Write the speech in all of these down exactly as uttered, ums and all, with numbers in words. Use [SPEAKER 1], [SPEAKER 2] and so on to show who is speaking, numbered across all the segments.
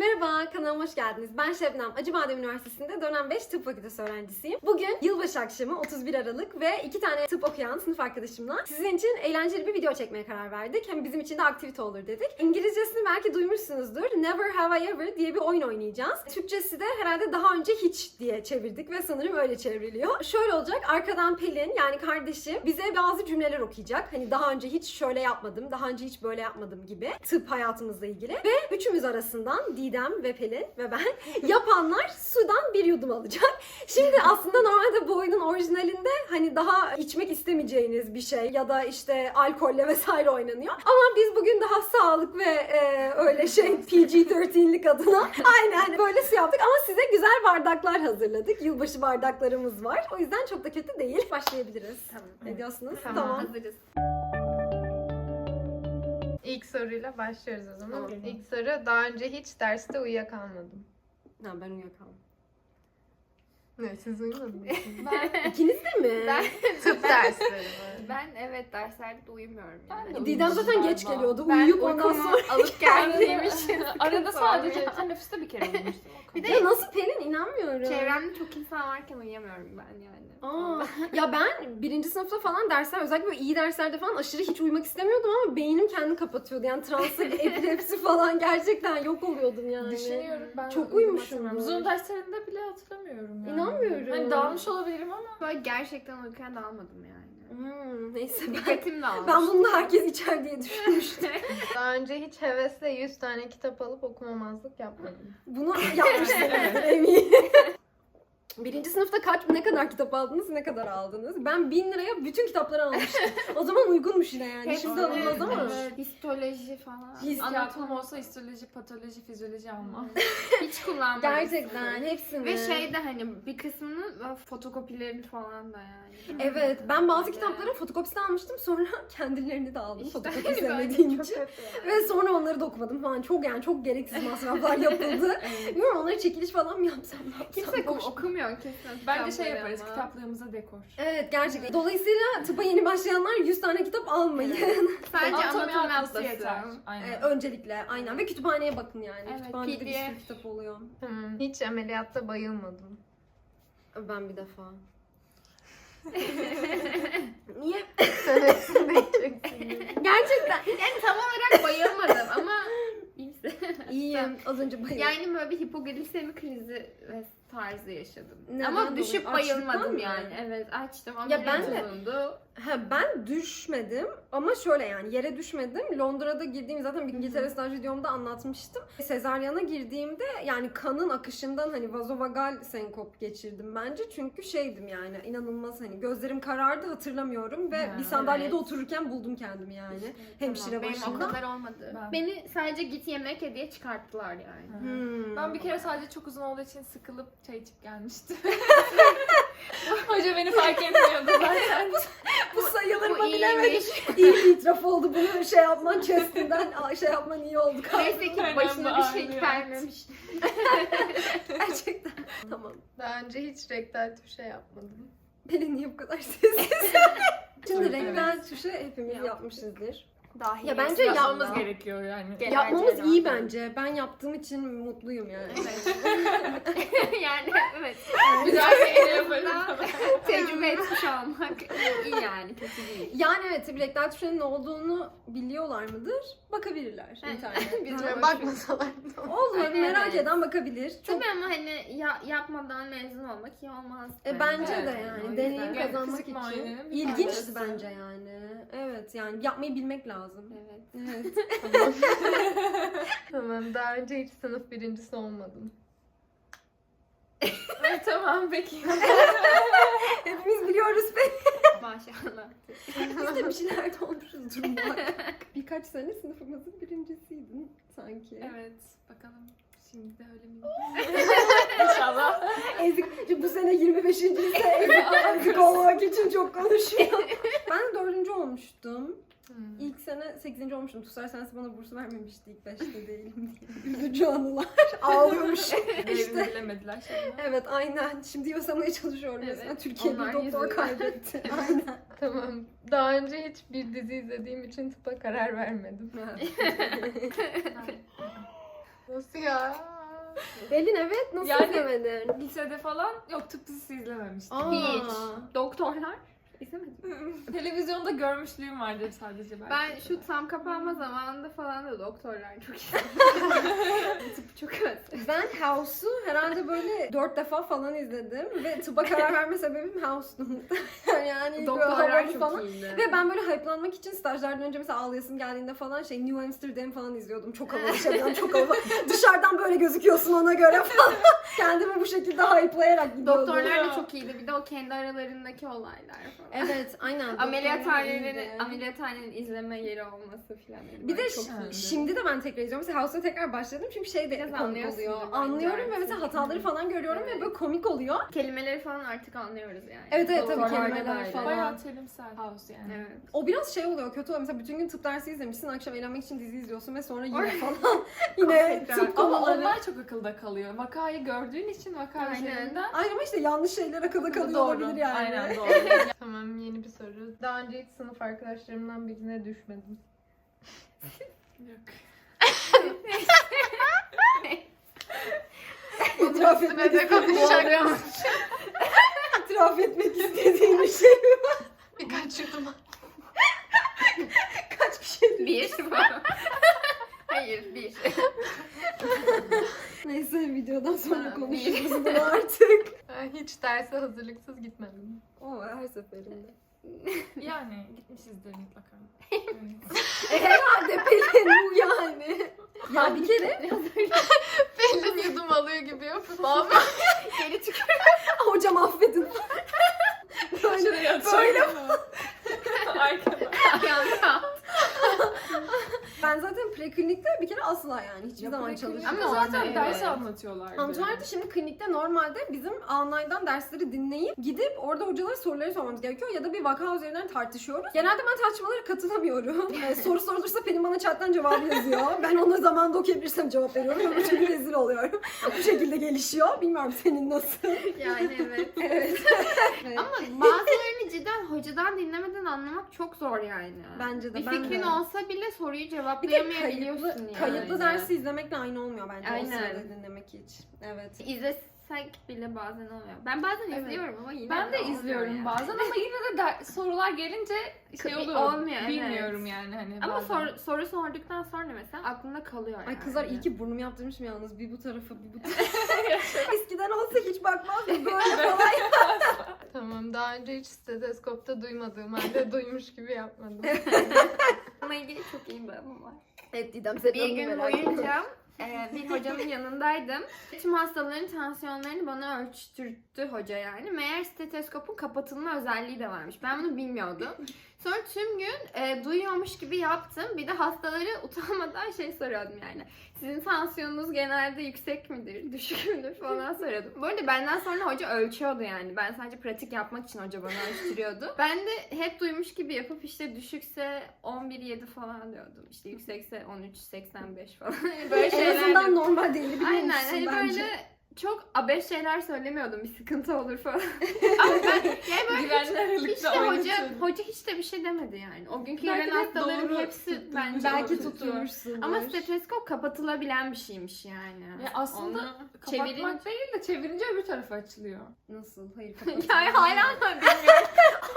[SPEAKER 1] Merhaba, kanalıma hoş geldiniz. Ben Şebnem, Acıbadem Üniversitesi'nde dönem beş tıp fakültesi öğrencisiyim. Bugün yılbaşı akşamı otuz bir Aralık ve iki tane tıp okuyan sınıf arkadaşımla sizin için eğlenceli bir video çekmeye karar verdik. Hem bizim için de aktivite olur dedik. İngilizcesini belki duymuşsunuzdur. Never Have I Ever diye bir oyun oynayacağız. Türkçesi de herhalde daha önce hiç diye çevirdik ve sanırım öyle çevriliyor. Şöyle olacak, arkadan Pelin yani kardeşim bize bazı cümleler okuyacak. Hani daha önce hiç şöyle yapmadım, daha önce hiç böyle yapmadım gibi tıp hayatımızla ilgili. Ve üçümüz arasından Didem ve Pelin ve ben yapanlar sudan bir yudum alacak. Şimdi aslında normalde bu oyunun orijinalinde hani daha içmek istemeyeceğiniz bir şey ya da işte alkolle vesaire oynanıyor. Ama biz bugün daha sağlık ve e, öyle şey P G on üç'lik adına aynen böyle şey yaptık ama size güzel bardaklar hazırladık. Yılbaşı bardaklarımız var. O yüzden çok da kötü değil. Başlayabiliriz.
[SPEAKER 2] Tamam.
[SPEAKER 1] Ne diyorsunuz?
[SPEAKER 2] Tamam,
[SPEAKER 1] Tamam.
[SPEAKER 2] hazırız.
[SPEAKER 3] İlk soruyla başlıyoruz o zaman.
[SPEAKER 1] Tamam.
[SPEAKER 3] İlk soru, daha önce hiç derste uyuyakalmadım.
[SPEAKER 1] Ha, ben uyuyakaldım.
[SPEAKER 3] Ne, siz uyumadınız mı?
[SPEAKER 2] Ben,
[SPEAKER 1] İkiniz de mi?
[SPEAKER 2] ben,
[SPEAKER 3] Tıp dersleri var.
[SPEAKER 2] ben evet derslerde de uyumuyorum. Yani.
[SPEAKER 4] de
[SPEAKER 1] Didem zaten geç geliyordu.
[SPEAKER 2] Ben
[SPEAKER 1] Uyuyup ondan
[SPEAKER 2] uykumu
[SPEAKER 1] sonra...
[SPEAKER 2] alıp geldiğim için
[SPEAKER 4] Arada
[SPEAKER 2] sıkıntı
[SPEAKER 4] sadece
[SPEAKER 2] oluyor.
[SPEAKER 4] teneffüste bir kere uyumuştum.
[SPEAKER 2] Bir de
[SPEAKER 1] Ya nasıl Pelin? İnanmıyorum.
[SPEAKER 2] çevremde çok insan varken uyuyamıyorum ben yani.
[SPEAKER 1] Aa, ya ben birinci sınıfta falan dersler, özellikle böyle iyi derslerde falan aşırı hiç uyumak istemiyordum ama beynim kendini kapatıyordu. Yani transa, epilepsi falan gerçekten yok oluyordum yani.
[SPEAKER 4] Düşünüyorum ben.
[SPEAKER 1] Çok
[SPEAKER 4] uyumak
[SPEAKER 1] uyumuşum
[SPEAKER 4] istemiyorum.
[SPEAKER 1] bu.
[SPEAKER 4] Zoom derslerinde bile hatırlamıyorum yani.
[SPEAKER 1] İnanmıyorum.
[SPEAKER 4] Hani dağılmış olabilirim ama.
[SPEAKER 2] Böyle gerçekten uyurken dağılmadım yani.
[SPEAKER 1] Hmm, neyse ben,
[SPEAKER 2] Dikkatim dağılmış.
[SPEAKER 1] ben bunu da herkes içer diye düşünmüştüm.
[SPEAKER 3] Daha önce hiç hevesle yüz tane kitap alıp okumamazlık yapmadım.
[SPEAKER 1] Bunu yapmışsınızdır eminim. Birinci sınıfta kaç, ne kadar kitap aldınız, ne kadar aldınız? Ben bin liraya bütün kitapları almıştım. O zaman uygunmuş yine yani.
[SPEAKER 2] Hepsi
[SPEAKER 1] Şimdi alınmaz ama.
[SPEAKER 2] evet, histoloji falan.
[SPEAKER 1] His-
[SPEAKER 4] Anatom olsa histoloji, patoloji, fizyoloji almam.
[SPEAKER 2] Hiç kullanmadım.
[SPEAKER 1] Gerçekten hepsini.
[SPEAKER 2] Ve şey de hani bir kısmının böyle fotokopilerini falan da yani.
[SPEAKER 1] Evet, ben bazı
[SPEAKER 2] Böyle.
[SPEAKER 1] kitapların fotokopisini almıştım, sonra kendilerini de aldım
[SPEAKER 2] İşte
[SPEAKER 1] fotokopi
[SPEAKER 2] böyle
[SPEAKER 1] sevmediğim
[SPEAKER 2] çok
[SPEAKER 1] için.
[SPEAKER 2] kötü yani.
[SPEAKER 1] Ve sonra onları da okumadım falan. Çok yani çok gereksiz masraflar yapıldı. Bilmiyorum, onları çekiliş falan mı yapsam ne yapsam.
[SPEAKER 2] Kimse
[SPEAKER 1] boş.
[SPEAKER 2] okumuyor kesin.
[SPEAKER 4] Bence şey
[SPEAKER 2] kitapları
[SPEAKER 4] yaparız,
[SPEAKER 2] ama.
[SPEAKER 4] kitaplığımıza dekor.
[SPEAKER 1] Evet, gerçekten. Dolayısıyla tıpa yeni başlayanlar yüz tane kitap almayın.
[SPEAKER 2] Sadece
[SPEAKER 4] Anatomi
[SPEAKER 2] anatomi
[SPEAKER 4] atlası
[SPEAKER 2] atlası.
[SPEAKER 4] yeter.
[SPEAKER 1] Ee,
[SPEAKER 4] Aynen.
[SPEAKER 1] öncelikle aynen ve kütüphaneye bakın yani.
[SPEAKER 2] Evet,
[SPEAKER 1] Kütüphanede
[SPEAKER 2] P
[SPEAKER 1] bir
[SPEAKER 2] D F.
[SPEAKER 1] sürü kitap oluyor.
[SPEAKER 3] Hmm. Hiç ameliyatta bayılmadım.
[SPEAKER 1] Ben bir defa. Niye?
[SPEAKER 3] Sen hepsini bekleceksin.
[SPEAKER 1] Gerçekten.
[SPEAKER 2] Yani tam olarak bayılmadım ama iyisi.
[SPEAKER 1] İyiyim. Az önce bayıldım.
[SPEAKER 2] Yani böyle bir hipoglisemi krizi ve tarzı yaşadım.
[SPEAKER 1] Neden
[SPEAKER 2] ama
[SPEAKER 1] dolayı?
[SPEAKER 2] düşüp
[SPEAKER 1] Açlıktan
[SPEAKER 2] bayılmadım
[SPEAKER 1] mı?
[SPEAKER 2] yani. Evet açtım ama
[SPEAKER 1] Ya ben de-
[SPEAKER 2] bulundu.
[SPEAKER 1] Ha, ben düşmedim ama şöyle yani yere düşmedim. Londra'da girdiğim zaten İngiltere staj videomda anlatmıştım. Sezaryana girdiğimde yani kanın akışından hani vazovagal senkop geçirdim bence. Çünkü şeydim yani inanılmaz hani gözlerim karardı hatırlamıyorum ve
[SPEAKER 4] Ha,
[SPEAKER 1] bir sandalyede
[SPEAKER 2] evet.
[SPEAKER 1] otururken buldum kendimi yani. Hemşire
[SPEAKER 2] Tamam, benim o
[SPEAKER 1] başında.
[SPEAKER 2] kadar olmadı.
[SPEAKER 4] Ben-
[SPEAKER 2] Beni sadece git yemek ye diye çıkarttılar yani.
[SPEAKER 1] Hmm.
[SPEAKER 4] Ben bir kere sadece çok uzun olduğu için sıkılıp çay içip gelmiştim. Hoca beni fark etmiyordu zaten.
[SPEAKER 1] bu sayılır mı
[SPEAKER 2] Bu
[SPEAKER 1] bilemedim.
[SPEAKER 2] iyiymiş.
[SPEAKER 1] İyi bir itiraf oldu bunu şey yapman chestinden şey yapman iyi oldu.
[SPEAKER 2] Neyse ki
[SPEAKER 4] Önemli,
[SPEAKER 2] başına bir şey
[SPEAKER 4] ağrıyor.
[SPEAKER 2] gelmemiş.
[SPEAKER 1] Gerçekten. Tamam.
[SPEAKER 3] Daha önce hiç rektal tuşa yapmadım.
[SPEAKER 1] Pelin niye bu kadar sessiz? Şimdi
[SPEAKER 4] Evet.
[SPEAKER 1] rektal tuşu hepimiz
[SPEAKER 2] Yaptık.
[SPEAKER 1] yapmışızdır.
[SPEAKER 2] Dahi
[SPEAKER 1] Ya bence
[SPEAKER 4] Yapmamız
[SPEAKER 1] yapma.
[SPEAKER 4] gerekiyor yani.
[SPEAKER 2] Genel
[SPEAKER 1] Yapmamız
[SPEAKER 2] cerrahı.
[SPEAKER 1] iyi bence. Ben yaptığım için mutluyum yani.
[SPEAKER 2] yani evet.
[SPEAKER 4] Güzel bir el yaparım.
[SPEAKER 2] Tecrübe etmiş olmak iyi yani kötü değil.
[SPEAKER 1] Yani evet tabii rektal tuşunun ne olduğunu biliyorlar mıdır? Bakabilirler
[SPEAKER 2] Evet.
[SPEAKER 1] internetten.
[SPEAKER 2] Biz
[SPEAKER 3] Böyle
[SPEAKER 2] de
[SPEAKER 3] bakmasalar da olur.
[SPEAKER 1] Olur
[SPEAKER 2] Evet,
[SPEAKER 1] merak
[SPEAKER 2] evet.
[SPEAKER 1] eden bakabilir. Çok
[SPEAKER 2] Tabii ama hani ya, yapmadan mezun olmak iyi olmaz.
[SPEAKER 1] E, bence
[SPEAKER 4] Evet,
[SPEAKER 1] de
[SPEAKER 4] o
[SPEAKER 1] yani
[SPEAKER 4] yüzden.
[SPEAKER 1] deneyim
[SPEAKER 4] Yani
[SPEAKER 1] kazanmak
[SPEAKER 4] fizik
[SPEAKER 1] için
[SPEAKER 4] muayenenin bir
[SPEAKER 1] ilginçti
[SPEAKER 4] tanesi.
[SPEAKER 1] bence yani. Evet yani yapmayı bilmek lazım.
[SPEAKER 2] Evet.
[SPEAKER 1] Evet.
[SPEAKER 3] Tamam. Tamam. Daha önce hiç sınıf birincisi olmadım.
[SPEAKER 4] Evet, tamam peki.
[SPEAKER 1] Hepimiz biliyoruz be.
[SPEAKER 2] Maşallah.
[SPEAKER 1] Biz de bir şeylerde olmuşuzdur muhakkak. Birkaç sene sınıfımızın birincisiydin sanki.
[SPEAKER 4] Evet bakalım. Şimdi de öyle mi? İnşallah.
[SPEAKER 1] Ezik, bu sene yirmi beşinci ise ezik, ezik olmak için çok konuşuyor. Ben dördüncü olmuştum.
[SPEAKER 3] Hmm.
[SPEAKER 1] İlk sene sekizinci olmuştum. Tusar Sensi bana bursu vermemişti ilk beşte değilim diye. Üzücü anılar. Ağlıyormuşum.
[SPEAKER 4] İşte.
[SPEAKER 1] işte.
[SPEAKER 4] Bilemediler şimdi.
[SPEAKER 1] Evet aynen. Şimdi yasamaya çalışıyorum
[SPEAKER 2] Evet,
[SPEAKER 1] mesela. Türkiye bir
[SPEAKER 2] onlar
[SPEAKER 1] doktor
[SPEAKER 2] yüzünden.
[SPEAKER 1] kaybetti. Aynen.
[SPEAKER 3] Tamam. Daha önce hiç bir dizi izlediğim için tıpa karar vermedim. Nasıl ya?
[SPEAKER 1] Elin evet, nasıl
[SPEAKER 4] Yani-
[SPEAKER 1] izlemedin?
[SPEAKER 4] Lisede falan yok, tıp dizisi izlememiştim.
[SPEAKER 1] Aa.
[SPEAKER 2] Hiç. Doktorlar. İzlemedim.
[SPEAKER 4] Televizyonda görmüşlüğüm vardır sadece belki.
[SPEAKER 2] Ben şu tam kapanma zamanında falan da doktorlar çok iyi. Tıpı çok özledim.
[SPEAKER 1] Ben House'u herhalde böyle dört defa falan izledim ve tıba karar verme sebebim House'tu. yani böyle
[SPEAKER 2] Doktorlar
[SPEAKER 1] havalı
[SPEAKER 2] çok
[SPEAKER 1] falan.
[SPEAKER 2] iyiydi.
[SPEAKER 1] Ve ben böyle hype'lanmak için stajlardan önce mesela ağlayasım geldiğinde falan şey New Amsterdam falan izliyordum. Çok havalı şeyden çok havalı. Dışarıdan böyle gözüküyorsun ona göre falan. Kendimi bu şekilde hype'layarak gidiyordum.
[SPEAKER 2] Doktorlar da çok iyiydi. Bir de o kendi aralarındaki olaylar falan.
[SPEAKER 1] Evet aynen.
[SPEAKER 2] Ameliyathanenin,
[SPEAKER 1] iyiydi.
[SPEAKER 2] ameliyathanenin izleme yeri olması falan.
[SPEAKER 1] Bir de
[SPEAKER 2] çok
[SPEAKER 1] ş-
[SPEAKER 2] iyiydi.
[SPEAKER 1] şimdi de ben tekrar izliyorum. Mesela House'a tekrar başladım çünkü şey de
[SPEAKER 2] Biraz
[SPEAKER 1] komik
[SPEAKER 2] anlıyorsundur
[SPEAKER 1] oluyor.
[SPEAKER 2] bence
[SPEAKER 1] Anlıyorum ve
[SPEAKER 2] artık.
[SPEAKER 1] mesela hataları falan görüyorum
[SPEAKER 2] Evet.
[SPEAKER 1] ve böyle komik oluyor.
[SPEAKER 2] Kelimeleri falan artık anlıyoruz yani.
[SPEAKER 1] Evet, evet, tabii
[SPEAKER 2] Doktorlarda
[SPEAKER 1] kelimeler
[SPEAKER 2] da öyle.
[SPEAKER 1] falan.
[SPEAKER 4] Bayağı terimsel house yani.
[SPEAKER 2] Evet.
[SPEAKER 1] O biraz şey oluyor, kötü oluyor. Mesela bütün gün tıp dersi izlemişsin, akşam eğlenmek için dizi izliyorsun ve sonra yine falan yine
[SPEAKER 2] Tekrar.
[SPEAKER 1] tıp
[SPEAKER 4] Ama
[SPEAKER 1] konuları.
[SPEAKER 4] onlar çok akılda kalıyor. Vakayı gördüğün için vaka
[SPEAKER 2] Aynen.
[SPEAKER 4] üzerinden
[SPEAKER 1] Ay ama işte yanlış şeyler akılda kalıyor
[SPEAKER 4] doğru.
[SPEAKER 1] olabilir yani.
[SPEAKER 4] Aynen doğru.
[SPEAKER 3] Tamam, yeni bir soru. Daha önce hiç sınıf arkadaşlarımdan birine düşmedim.
[SPEAKER 4] Yok.
[SPEAKER 1] İtiraf etmek
[SPEAKER 3] Üstüne de konuşacağım.
[SPEAKER 1] İtiraf etmek istediğin bir şey mi?
[SPEAKER 3] Birkaç yudum.
[SPEAKER 1] Kaç kişi?
[SPEAKER 2] Bir. Hayır, bir.
[SPEAKER 1] Neyse videodan sonra
[SPEAKER 3] Ha,
[SPEAKER 1] konuşuruz bunu artık.
[SPEAKER 3] Ben hiç derse hazırlıksız gitmedim.
[SPEAKER 1] O her seferinde.
[SPEAKER 4] Yani gitmişizdir mutlaka.
[SPEAKER 1] E herhalde Pelin bu yani. Ya bir kere
[SPEAKER 3] Pelin yudum alıyor gibi yapıp abi.
[SPEAKER 2] Geri tükür.
[SPEAKER 1] hocam affedin. Böyle,
[SPEAKER 4] Şuraya
[SPEAKER 1] böyle.
[SPEAKER 4] Arkada.
[SPEAKER 2] Yanda.
[SPEAKER 1] Ben zaten preklinikte bir kere asla yani hiçbir zaman
[SPEAKER 4] Ama
[SPEAKER 1] çalışmadım.
[SPEAKER 2] Ama
[SPEAKER 4] zaten
[SPEAKER 2] evet.
[SPEAKER 4] ders anlatıyorlardı.
[SPEAKER 1] Anlatıyorlardı. Şimdi klinikte normalde bizim online'dan dersleri dinleyip gidip orada hocalara soruları sormamız gerekiyor ya da bir vaka üzerinden tartışıyoruz. Genelde ben tartışmalara katılamıyorum. Ee, soru sorulursa Pelin bana chatten cevabı yazıyor. Ben ona zamanında okuyabilirsem cevap veriyorum. Öbür türlü rezil oluyorum. Bu şekilde gelişiyor. Bilmiyorum senin nasıl.
[SPEAKER 2] Yani evet.
[SPEAKER 1] Evet.
[SPEAKER 2] Ama bazılarını cidden hocadan dinlemeden anlamak çok zor yani.
[SPEAKER 1] Bence de,
[SPEAKER 2] Bir
[SPEAKER 1] ben
[SPEAKER 2] fikrin
[SPEAKER 1] de.
[SPEAKER 2] olsa bile soruyu
[SPEAKER 1] Bir de
[SPEAKER 2] cevaplayamayabiliyorsun
[SPEAKER 1] kayıtlı,
[SPEAKER 2] yani.
[SPEAKER 1] kayıtlı dersi izlemekle aynı olmuyor bence
[SPEAKER 2] Aynen.
[SPEAKER 1] o sırada dinlemek hiç. Evet.
[SPEAKER 2] İzlesek bile bazen oluyor. Ben bazen
[SPEAKER 1] Evet.
[SPEAKER 2] izliyorum ama yine
[SPEAKER 4] Ben de
[SPEAKER 2] olmuyor
[SPEAKER 4] izliyorum
[SPEAKER 2] yani.
[SPEAKER 4] bazen ama yine de der- sorular gelince şey
[SPEAKER 2] Tabii,
[SPEAKER 4] oluyor.
[SPEAKER 2] olmuyor, evet.
[SPEAKER 4] Bilmiyorum yani hani.
[SPEAKER 2] Ama
[SPEAKER 4] bazen.
[SPEAKER 2] sor, soru sorduktan sonra mesela aklında kalıyor yani.
[SPEAKER 1] Ay kızlar iyi ki burnumu yaptırmışım yalnız. Bir bu tarafa bir bu tarafa. Eskiden olsa hiç bakmazdım böyle falan.
[SPEAKER 3] Tamam, daha önce hiç steteskopta duymadığım halde duymuş gibi yapmadım.
[SPEAKER 2] Bununla ilgili çok iyi bir anım var.
[SPEAKER 1] Evet Didem sen
[SPEAKER 2] Bir gün boyunca e, bir hocamın yanındaydım. Tüm hastaların tansiyonlarını bana ölçtürttü hoca yani. Meğer steteskopun kapatılma özelliği de varmış. Ben bunu bilmiyordum. Sonra tüm gün e, duyuyormuş gibi yaptım. Bir de hastaları utanmadan şey soruyordum yani. Sizin tansiyonunuz genelde yüksek midir, düşük müdür falan soruyordum. Bu arada benden sonra hoca ölçüyordu yani. Ben sadece pratik yapmak için hoca bana ölçtürüyordu. Ben de hep duymuş gibi yapıp işte düşükse on bir yedi falan diyordum. İşte yüksekse on üç seksen beş falan. Böyle
[SPEAKER 1] En
[SPEAKER 2] şeyler
[SPEAKER 1] azından
[SPEAKER 2] de-
[SPEAKER 1] normal değil biliyormuşsun
[SPEAKER 2] Aynen hani
[SPEAKER 1] bence.
[SPEAKER 2] böyle çok abes şeyler söylemiyordum. Bir sıkıntı olur falan. Ama ben yani böyle
[SPEAKER 4] Güvenli
[SPEAKER 2] hiç,
[SPEAKER 4] aralıkta
[SPEAKER 2] hiç de hoca,
[SPEAKER 4] oynatıyordum.
[SPEAKER 2] hoca hiç de bir şey demedi yani. O günkü
[SPEAKER 4] Belki
[SPEAKER 2] gelen
[SPEAKER 4] de
[SPEAKER 2] hastaların
[SPEAKER 4] doğru
[SPEAKER 2] hepsi
[SPEAKER 4] tutturmuş.
[SPEAKER 2] bence
[SPEAKER 1] Belki
[SPEAKER 2] tuttu.
[SPEAKER 1] tutturmuşsun.
[SPEAKER 2] Ama steteskop kapatılabilen bir şeymiş yani.
[SPEAKER 4] Ya aslında
[SPEAKER 2] Onu
[SPEAKER 4] kapatmak
[SPEAKER 2] çevirin-
[SPEAKER 4] değil de çevirince öbür tarafa açılıyor.
[SPEAKER 1] Nasıl? Hayır
[SPEAKER 2] Yani hala da bilmiyorum.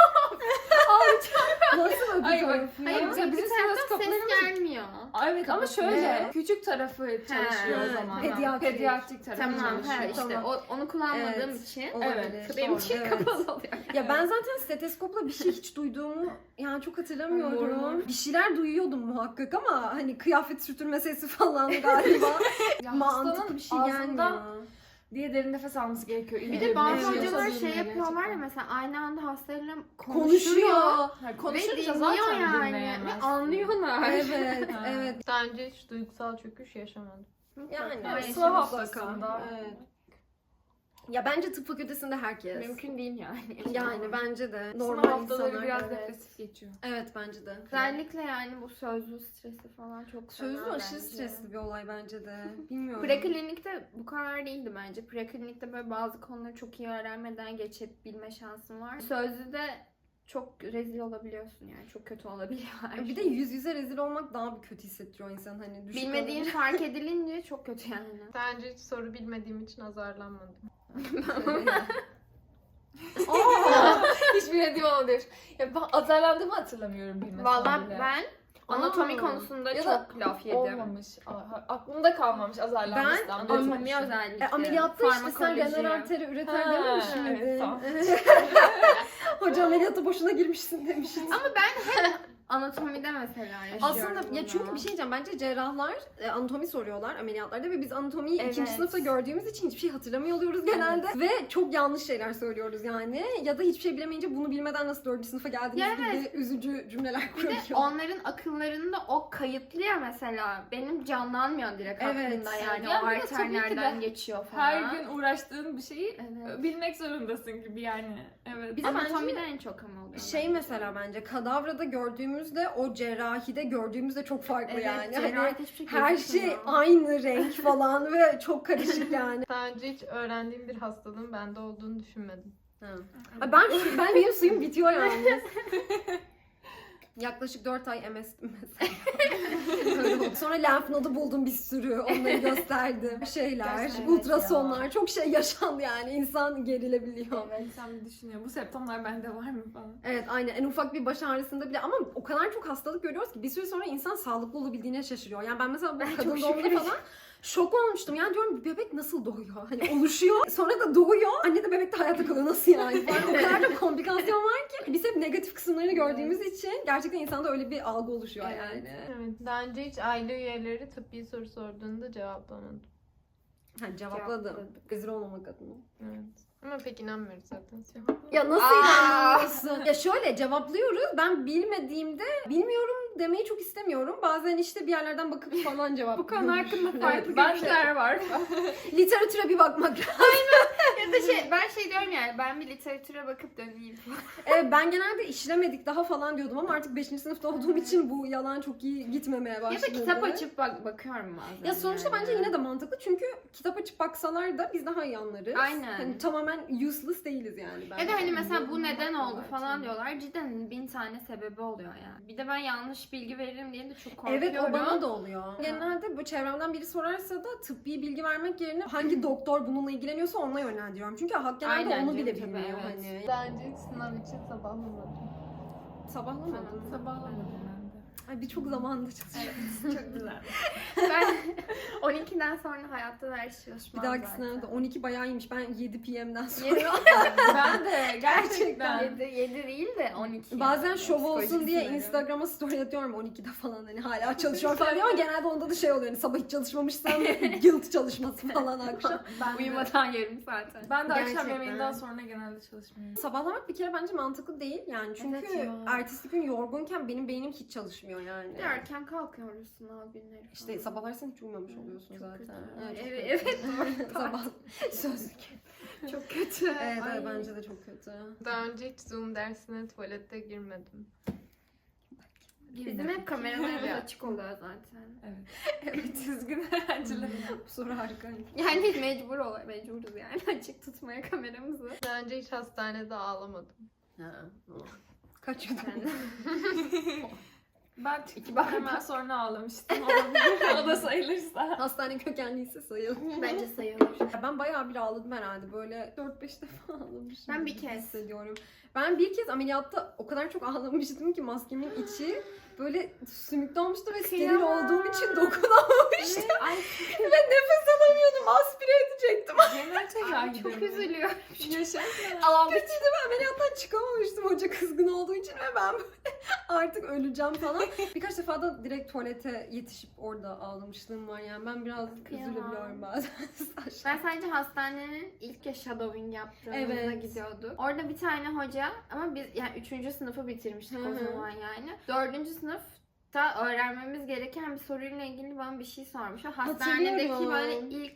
[SPEAKER 1] Nasıl öbür
[SPEAKER 4] Ay bak,
[SPEAKER 1] tarafı ya?
[SPEAKER 2] Hayır
[SPEAKER 4] Mesela
[SPEAKER 2] bizim
[SPEAKER 4] bizim
[SPEAKER 2] taraftan ses
[SPEAKER 4] steteskoplarımız-
[SPEAKER 2] gelmiyor.
[SPEAKER 4] Aa, evet ama
[SPEAKER 1] Kapatıyor.
[SPEAKER 4] şöyle
[SPEAKER 1] Ne?
[SPEAKER 4] küçük tarafı çalışıyor
[SPEAKER 1] Ha,
[SPEAKER 4] o zaman.
[SPEAKER 1] pediatrik.
[SPEAKER 4] Pediatrik tarafı
[SPEAKER 2] Tamam
[SPEAKER 4] çalışıyor.
[SPEAKER 2] ha işte
[SPEAKER 1] Tamam.
[SPEAKER 2] o, onu kullanmadığım
[SPEAKER 1] Evet.
[SPEAKER 2] için.
[SPEAKER 1] Olabilir.
[SPEAKER 4] Evet,
[SPEAKER 2] Benim
[SPEAKER 1] Doğru,
[SPEAKER 2] için
[SPEAKER 1] evet.
[SPEAKER 2] kapalı oluyor.
[SPEAKER 1] Ya ben zaten steteskopla bir şey hiç duyduğumu yani çok hatırlamıyorum. Bir şeyler duyuyordum muhakkak ama hani kıyafet sürtürme sesi falan galiba.
[SPEAKER 4] Ya
[SPEAKER 1] Mantıklı
[SPEAKER 4] hastanın
[SPEAKER 1] bir şey
[SPEAKER 4] ağzından
[SPEAKER 1] gelmiyor.
[SPEAKER 4] diye derin nefes alması gerekiyor.
[SPEAKER 2] Bir de bazı
[SPEAKER 1] Evet.
[SPEAKER 2] hocalar
[SPEAKER 4] Yoksa
[SPEAKER 2] şey
[SPEAKER 4] bilmiyor
[SPEAKER 2] yapıyorlar ya
[SPEAKER 4] gerçekten.
[SPEAKER 2] mesela aynı anda hastayla
[SPEAKER 1] Konuşuyor.
[SPEAKER 2] konuşuyor.
[SPEAKER 4] Ha,
[SPEAKER 2] Ve
[SPEAKER 4] konuşunca
[SPEAKER 2] dinliyor
[SPEAKER 4] zaten
[SPEAKER 2] yani. Ve
[SPEAKER 4] dinleyemezsin.
[SPEAKER 2] anlıyorlar.
[SPEAKER 1] Evet,
[SPEAKER 4] Ha.
[SPEAKER 1] evet.
[SPEAKER 3] Daha önce hiç duygusal çöküş yaşamadım.
[SPEAKER 1] Yani
[SPEAKER 4] Evet,
[SPEAKER 1] işte
[SPEAKER 4] sınav
[SPEAKER 1] mutlaka.
[SPEAKER 4] haftasında.
[SPEAKER 1] Evet. Ya bence tıp fakültesinde herkes.
[SPEAKER 2] Mümkün değil yani.
[SPEAKER 1] Yani bence de.
[SPEAKER 4] Sınav
[SPEAKER 1] Normal
[SPEAKER 4] haftaları
[SPEAKER 1] insanlar.
[SPEAKER 4] biraz
[SPEAKER 1] evet.
[SPEAKER 4] depresif geçiyor.
[SPEAKER 1] Evet bence de.
[SPEAKER 2] Özellikle yani bu sözlü stresi falan çok
[SPEAKER 1] Sözlü
[SPEAKER 2] fena
[SPEAKER 1] aşırı
[SPEAKER 2] bence.
[SPEAKER 1] stresli bir olay bence de. Bilmiyorum.
[SPEAKER 2] Preklinikte bu kadar değildi bence. Preklinikte böyle bazı konuları çok iyi öğrenmeden geçebilme şansın var. Sözlüde çok rezil olabiliyorsun yani. Çok kötü olabiliyor her
[SPEAKER 1] Bir de
[SPEAKER 2] şey.
[SPEAKER 1] yüz yüze rezil olmak daha bir kötü hissettiriyor insanı hani. düşük
[SPEAKER 2] Bilmediğin
[SPEAKER 1] olunca.
[SPEAKER 2] fark edilince çok kötü yani.
[SPEAKER 3] Daha önce hiç soru bilmediğim için azarlanmadım.
[SPEAKER 4] Aa, hiç bilmediğim olabilir. Ya ben azarlandığımı hatırlamıyorum bilmesem
[SPEAKER 2] Vallahi
[SPEAKER 4] bile.
[SPEAKER 2] ben anatomi
[SPEAKER 1] Aa.
[SPEAKER 2] konusunda
[SPEAKER 4] Ya da
[SPEAKER 2] çok laf yedim.
[SPEAKER 4] Olmamış. Aa, aklımda kalmamış azarlanmıştan.
[SPEAKER 1] Ben
[SPEAKER 4] Böyle
[SPEAKER 2] Anatomi
[SPEAKER 4] düşünmüştüm.
[SPEAKER 2] özellikle.
[SPEAKER 1] E, ameliyatta işte sen
[SPEAKER 2] farmakoloji.
[SPEAKER 1] genel arteri üreter
[SPEAKER 4] Ha,
[SPEAKER 1] dememiş
[SPEAKER 4] evet,
[SPEAKER 1] miydin?
[SPEAKER 4] tamam.
[SPEAKER 1] Hoca ameliyatta boşuna girmişsin demiştin.
[SPEAKER 2] Ama ben hep anatomide mesela yaşıyorum
[SPEAKER 1] Aslında ya
[SPEAKER 2] bunu.
[SPEAKER 1] çünkü bir şey diyeceğim. Bence cerrahlar e, anatomi soruyorlar ameliyatlarda ve biz anatomiyi
[SPEAKER 2] Evet.
[SPEAKER 1] ikinci sınıfta gördüğümüz için hiçbir şey hatırlamıyor oluyoruz genelde. Ve çok yanlış şeyler söylüyoruz yani. Ya da hiçbir şey bilemeyince bunu bilmeden nasıl dördüncü sınıfa geldiniz
[SPEAKER 2] Ya
[SPEAKER 1] gibi üzücü cümleler
[SPEAKER 2] Bir de
[SPEAKER 1] kuruyoruz.
[SPEAKER 2] onların akıllarında o kayıtlı ya mesela. Benim canlanmıyor direkt
[SPEAKER 1] Evet.
[SPEAKER 2] aklımda yani.
[SPEAKER 4] Ya
[SPEAKER 2] o
[SPEAKER 4] bir de
[SPEAKER 2] arter
[SPEAKER 4] tabii ki de
[SPEAKER 2] nereden geçiyor falan.
[SPEAKER 4] Her gün uğraştığın bir şeyi
[SPEAKER 2] Evet.
[SPEAKER 4] bilmek zorundasın gibi yani. Evet.
[SPEAKER 1] Bir de
[SPEAKER 2] Anatomide
[SPEAKER 1] bence
[SPEAKER 2] en çok ama oluyor.
[SPEAKER 1] şey
[SPEAKER 2] bence.
[SPEAKER 1] mesela bence kadavrada gördüğümüzle o cerrahide gördüğümüzde çok farklı
[SPEAKER 2] Evet,
[SPEAKER 1] yani.
[SPEAKER 2] cerrahide
[SPEAKER 1] Hani
[SPEAKER 2] hiçbir şey
[SPEAKER 1] her
[SPEAKER 2] gözükmüyor.
[SPEAKER 1] şey aynı renk falan ve çok karışık yani.
[SPEAKER 3] Daha önce hiç öğrendiğim bir hastalığın bende olduğunu düşünmedim.
[SPEAKER 1] Ay ben şu, ben benim suyum bitiyor yani. Yaklaşık dört ay M S'tim mesela. Öyle oldu. Sonra lenf nodu buldum bir sürü. Onları gösterdim. Şeyler,
[SPEAKER 2] Gerçekten
[SPEAKER 1] ultrasonlar.
[SPEAKER 2] ya.
[SPEAKER 1] Çok şey yaşandı yani. İnsan gerilebiliyor.
[SPEAKER 4] Evet. İnsan bir düşünüyor. Bu semptomlar bende var mı falan.
[SPEAKER 1] Evet aynen. En ufak bir baş ağrısında bile ama o kadar çok hastalık görüyoruz ki bir süre sonra insan sağlıklı olabildiğine şaşırıyor. Yani ben mesela bu
[SPEAKER 2] Ben
[SPEAKER 1] kadın
[SPEAKER 2] çok
[SPEAKER 1] doğumda
[SPEAKER 2] şükür.
[SPEAKER 1] falan şok olmuştum. Yani diyorum bebek nasıl doğuyor? Hani oluşuyor. Sonra da doğuyor. Anne de bebek de hayatta kalıyor. Nasıl yani? Falan. O kadar da komplikasyon var ki. Biz hep negatif kısımlarını gördüğümüz için gerçekten insanda öyle bir algı oluşuyor
[SPEAKER 2] Evet.
[SPEAKER 1] yani.
[SPEAKER 3] Evet. Daha önce hiç aile üyeleri tıbbi soru sorduğunda cevaplamadım.
[SPEAKER 1] Ha, cevapladım.
[SPEAKER 2] Cevapladık.
[SPEAKER 1] Rezil olmamak adına.
[SPEAKER 3] Evet. Ama pek inanmıyoruz zaten.
[SPEAKER 1] Ya nasıl
[SPEAKER 2] Aa!
[SPEAKER 1] inanmıyorsun? Ya şöyle cevaplıyoruz. Ben bilmediğimde bilmiyorum demeyi çok istemiyorum. Bazen işte bir yerlerden bakıp falan cevap
[SPEAKER 2] Bu konu hakkında farklı
[SPEAKER 4] Ben de-
[SPEAKER 2] görüşler var.
[SPEAKER 1] Literatüre bir bakmak lazım.
[SPEAKER 2] Ya da şey, ben şey diyorum yani, ben bir literatüre bakıp döneyim.
[SPEAKER 1] Evet, ben genelde işlemedik daha falan diyordum ama artık beşinci sınıfta olduğum için bu yalan çok iyi gitmemeye başladı.
[SPEAKER 2] Ya da kitap açıp bak bakıyorum bazen.
[SPEAKER 1] Ya sonuçta
[SPEAKER 2] yani.
[SPEAKER 1] bence yine de mantıklı çünkü kitap açıp baksalar da biz daha iyi anlarız.
[SPEAKER 2] Aynen.
[SPEAKER 1] Hani tamamen useless değiliz yani.
[SPEAKER 2] Ya
[SPEAKER 1] bence.
[SPEAKER 2] da hani mesela bu neden oldu
[SPEAKER 1] Evet.
[SPEAKER 2] falan diyorlar. Cidden bin tane sebebi oluyor yani. Bir de ben yanlış bilgi veririm diye de çok korkuyorum.
[SPEAKER 1] Evet o bana da oluyor. Genelde bu çevremden biri sorarsa da tıbbi bilgi vermek yerine hangi doktor bununla ilgileniyorsa onunla yönlendiriyorum. Çünkü hak genelde
[SPEAKER 2] Aynen
[SPEAKER 1] onu bile
[SPEAKER 2] canım, tabii,
[SPEAKER 1] bilmiyor
[SPEAKER 2] evet.
[SPEAKER 1] hani.
[SPEAKER 3] Daha önce hiç sınav için sabahlamadım.
[SPEAKER 1] Sabahlamadım.
[SPEAKER 4] Sabahlamadım ben de.
[SPEAKER 1] Ay birçok zamanda çalışıyorum.
[SPEAKER 2] Çok güzel. Ben on ikiden sonra hayatta ders
[SPEAKER 1] Bir
[SPEAKER 2] çalışmam
[SPEAKER 1] dahaki
[SPEAKER 2] zaten.
[SPEAKER 1] sınavda on iki bayağı iyiymiş. Ben yedi P M'den sonra.
[SPEAKER 2] Yedi,
[SPEAKER 4] Ben de gerçekten.
[SPEAKER 2] yedi, yedi değil de on iki.
[SPEAKER 1] Bazen
[SPEAKER 2] yani.
[SPEAKER 1] şov olsun
[SPEAKER 2] Psikolojik
[SPEAKER 1] diye
[SPEAKER 2] sınırı.
[SPEAKER 1] Instagram'a story atıyorum on ikide falan hani hala çalışıyorum falan diye ama genelde onda da şey oluyor hani sabah hiç çalışmamışsam guilt çalışması falan akşam.
[SPEAKER 4] Ben de,
[SPEAKER 2] Uyumadan yarım zaten.
[SPEAKER 4] ben de akşam
[SPEAKER 1] Gerçekten.
[SPEAKER 4] yemeğinden sonra genelde çalışmıyorum.
[SPEAKER 1] Sabahlamak bir kere bence mantıklı değil yani çünkü
[SPEAKER 2] Evet ya.
[SPEAKER 1] ertesi gün yorgunken benim beynim hiç çalışmıyor yani.
[SPEAKER 2] Bir de erken kalkıyoruz sınav günleri falan.
[SPEAKER 1] İşte sabahlarsan hiç uyumamış oluyorsun
[SPEAKER 2] Çok
[SPEAKER 1] zaten.
[SPEAKER 2] kötü.
[SPEAKER 1] Evet, çok
[SPEAKER 2] Evet,
[SPEAKER 1] kötü.
[SPEAKER 2] evet, doğru.
[SPEAKER 1] Sabah sözlük.
[SPEAKER 2] Çok kötü.
[SPEAKER 1] Evet,
[SPEAKER 2] Ay.
[SPEAKER 1] evet bence de çok kötü.
[SPEAKER 3] Daha önce hiç Zoom dersine tuvalette girmedim.
[SPEAKER 2] Bizim hep kameralarımız açık oluyor zaten.
[SPEAKER 4] Evet. Evet, üzgün öğrenciler.
[SPEAKER 1] Bu soru harika.
[SPEAKER 2] Yani mecbur ol, mecburuz yani açık tutmaya kameramızı.
[SPEAKER 3] Daha önce hiç hastanede ağlamadım.
[SPEAKER 1] Ha. Kaç yudum?
[SPEAKER 4] Ben çıktıktan hemen sonra ağlamıştım. Olabilir. O da sayılırsa.
[SPEAKER 1] Hastane kökenliyse sayılır.
[SPEAKER 2] Bence sayılır.
[SPEAKER 1] Ya ben bayağı bir ağladım herhalde. Böyle dört beş defa ağlamışım.
[SPEAKER 2] Ben bir
[SPEAKER 1] gibi
[SPEAKER 2] kez.
[SPEAKER 1] hissediyorum. Ben bir kez ameliyatta o kadar çok ağlamıştım ki maskemin içi böyle sümüklü olmuştu ve steril
[SPEAKER 2] Kıyamam.
[SPEAKER 1] olduğum için dokunamamıştım.
[SPEAKER 2] Ay
[SPEAKER 1] ve nefes alamıyordum. Aspire edecektim.
[SPEAKER 4] Genel tedavi
[SPEAKER 2] çok üzülüyorum.
[SPEAKER 4] Yaşarken.
[SPEAKER 2] Ağlamak
[SPEAKER 1] Kötüydü ben ameliyattan çıkamamıştım hoca kızgın olduğu için ve ben böyle artık öleceğim falan. Birkaç defa da direkt tuvalete yetişip orada ağlamışlığım var yani ben biraz
[SPEAKER 2] Kıyamam.
[SPEAKER 1] üzülebiliyorum bazen.
[SPEAKER 2] Ben sadece hastanenin ilk ya shadowing yaptığımızda
[SPEAKER 1] Evet.
[SPEAKER 2] gidiyorduk. Orada bir tane hoca ama biz yani üçüncü sınıfı bitirmiştik
[SPEAKER 1] Hı
[SPEAKER 2] o
[SPEAKER 1] hı.
[SPEAKER 2] zaman yani. Dördüncü sınıfta öğrenmemiz gereken bir soruyla ilgili bana bir şey sormuş. O hastanedeki
[SPEAKER 1] Hatırlıyorum.
[SPEAKER 2] böyle ilk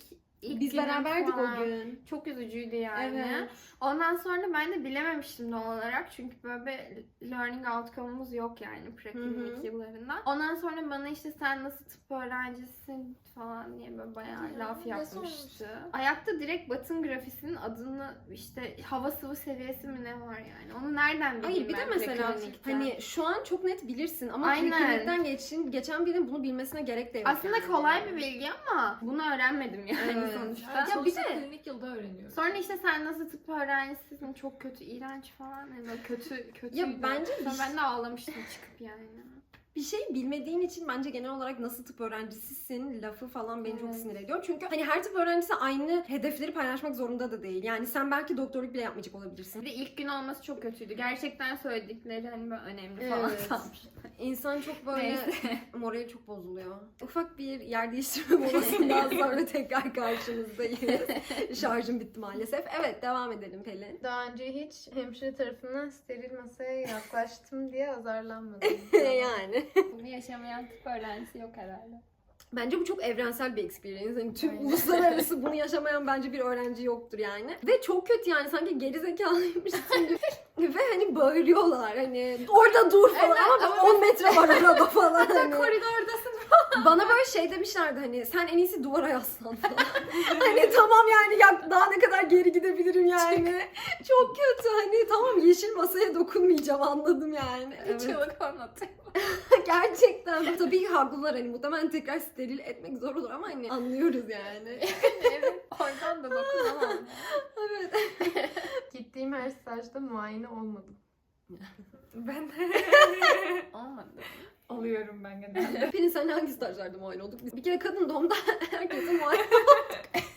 [SPEAKER 2] ilk
[SPEAKER 1] Biz
[SPEAKER 2] günüm
[SPEAKER 1] beraberdik
[SPEAKER 2] falan.
[SPEAKER 1] o gün.
[SPEAKER 2] Çok üzücüydü yani.
[SPEAKER 1] Evet.
[SPEAKER 2] Ondan sonra ben de bilememiştim doğal olarak. Çünkü böyle bir learning outcome'umuz yok yani preklinik
[SPEAKER 1] Hı hı.
[SPEAKER 2] yıllarında. Ondan sonra bana işte sen nasıl tıp öğrencisin falan diye böyle bayağı
[SPEAKER 4] Ya,
[SPEAKER 2] laf
[SPEAKER 4] ne
[SPEAKER 2] yapmıştı. Ayakta direkt Batın grafisinin adını işte hava sıvı seviyesi mi ne var yani. Onu nereden bileyim
[SPEAKER 1] Hayır bir de
[SPEAKER 2] ben
[SPEAKER 1] mesela
[SPEAKER 2] preklinikten?
[SPEAKER 1] hani şu an çok net bilirsin ama
[SPEAKER 2] Aynen.
[SPEAKER 1] preklinikten geçin, geçen birinin bunu bilmesine gerek de yok.
[SPEAKER 2] Aslında
[SPEAKER 1] yani.
[SPEAKER 2] kolay bir bilgi ama bunu öğrenmedim yani
[SPEAKER 1] Evet.
[SPEAKER 2] sonuçta.
[SPEAKER 4] Ya
[SPEAKER 1] Ya
[SPEAKER 4] bir
[SPEAKER 1] bir de-
[SPEAKER 4] klinik yılda öğreniyoruz.
[SPEAKER 2] Sonra işte sen nasıl tıp öğrencisisin, çok kötü, iğrenç falan. Yani böyle kötü, kötüydü.
[SPEAKER 1] Ya bence bir
[SPEAKER 2] Sonra
[SPEAKER 1] şey-
[SPEAKER 2] ben de ağlamıştım çıkıp yani.
[SPEAKER 1] Bir şey bilmediğin için bence genel olarak nasıl tıp öğrencisisin lafı falan beni çok
[SPEAKER 2] Evet.
[SPEAKER 1] sinir ediyor. Çünkü hani her tıp öğrencisi aynı hedefleri paylaşmak zorunda da değil. Yani sen belki doktorluk bile yapmayacak olabilirsin.
[SPEAKER 2] Bir de ilk gün olması çok kötüydü. Gerçekten söyledikleri hani böyle önemli falan
[SPEAKER 1] Evet.
[SPEAKER 2] sanmış.
[SPEAKER 1] İnsan çok böyle
[SPEAKER 2] Neyse.
[SPEAKER 1] morali çok bozuluyor. Ufak bir yer değiştirme molasından sonra tekrar karşınızdayız. Şarjım bitti maalesef. Evet devam edelim Pelin.
[SPEAKER 3] Daha önce hiç hemşire tarafından steril masaya yaklaştım diye azarlanmadım.
[SPEAKER 1] Yani.
[SPEAKER 2] Bunu yaşamayan tıp öğrencisi yok herhalde.
[SPEAKER 1] Bence bu çok evrensel bir experience. Hani tüm
[SPEAKER 2] Aynen.
[SPEAKER 1] uluslararası bunu yaşamayan bence bir öğrenci yoktur yani. Ve çok kötü yani sanki geri zekalıymışsın gibi. Ve hani bağırıyorlar hani orada dur falan
[SPEAKER 2] Evet,
[SPEAKER 1] ama on metre var araba falan. Hani.
[SPEAKER 2] Koridordasın.
[SPEAKER 1] Bana böyle şey demişlerdi hani sen en iyisi duvara yaslan falan. Hani tamam yani ya daha ne kadar geri gidebilirim yani. Çok kötü hani tamam yeşil masaya dokunmayacağım anladım yani. Evet.
[SPEAKER 2] Çığlık anlatıyor.
[SPEAKER 1] Gerçekten. Tabii ki haklılar hani muhtemelen tekrar steril etmek zor olur ama hani anlıyoruz yani.
[SPEAKER 2] Evet. Oradan da dokunamam.
[SPEAKER 1] Evet.
[SPEAKER 3] Gittiğim her stajda muayene olmadım.
[SPEAKER 4] Ben
[SPEAKER 2] Olmadı.
[SPEAKER 4] oluyorum ben genelde.
[SPEAKER 1] Pelin sen hangi stajlarda muayene olduk? Biz bir kere kadın doğumda herkese muayene olduk.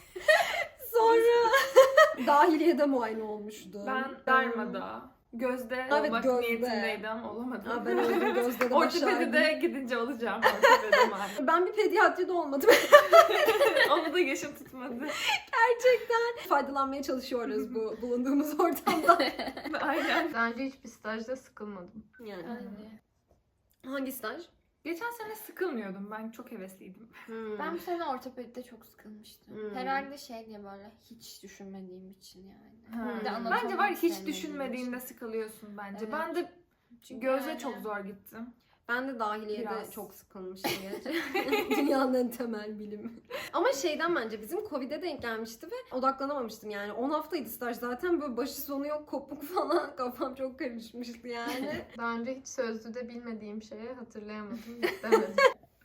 [SPEAKER 1] Sonra dahiliyede muayene olmuştu.
[SPEAKER 4] Ben Derma'da, Gözde
[SPEAKER 1] Evet,
[SPEAKER 4] olmak
[SPEAKER 1] Gözde.
[SPEAKER 4] niyetindeydim ama olamadım.
[SPEAKER 1] Aa, ben öyle gözde de başardım.
[SPEAKER 4] Ortopedide gidince olacağım. Ortopedi maalesef.
[SPEAKER 1] Ben bir pediatride olmadım.
[SPEAKER 4] Onu da yaşım tutmadı.
[SPEAKER 1] Gerçekten faydalanmaya çalışıyoruz bu bulunduğumuz ortamda.
[SPEAKER 4] Aynen.
[SPEAKER 3] Daha önce hiçbir stajda sıkılmadım.
[SPEAKER 1] Yani.
[SPEAKER 2] Aynen.
[SPEAKER 1] Hangi staj?
[SPEAKER 4] Geçen sene sıkılmıyordum. Ben çok hevesliydim.
[SPEAKER 1] Hmm.
[SPEAKER 2] Ben bu sene ortopedide çok sıkılmıştım.
[SPEAKER 1] Hmm.
[SPEAKER 2] Herhalde şey diye böyle hiç düşünmediğim için yani.
[SPEAKER 4] Ha.
[SPEAKER 2] Bir de anatomi
[SPEAKER 4] Bence var ya, hiç
[SPEAKER 2] sevmediğim
[SPEAKER 4] düşünmediğinde
[SPEAKER 2] için.
[SPEAKER 4] sıkılıyorsun bence.
[SPEAKER 2] Evet.
[SPEAKER 4] Ben de
[SPEAKER 2] Çünkü
[SPEAKER 4] Gözde
[SPEAKER 2] yani-
[SPEAKER 4] çok zor gittim.
[SPEAKER 1] Ben de dahiliyede
[SPEAKER 4] Biraz.
[SPEAKER 1] çok sıkılmıştım gerçekten. Dünyanın en temel bilimi. Ama şeyden bence bizim Covid'e denk gelmişti ve odaklanamamıştım yani. on haftaydı staj zaten böyle başı sonu yok kopuk falan. Kafam çok karışmıştı yani.
[SPEAKER 3] Daha önce hiç sözlüde bilmediğim şeye hatırlayamadım. istemedim.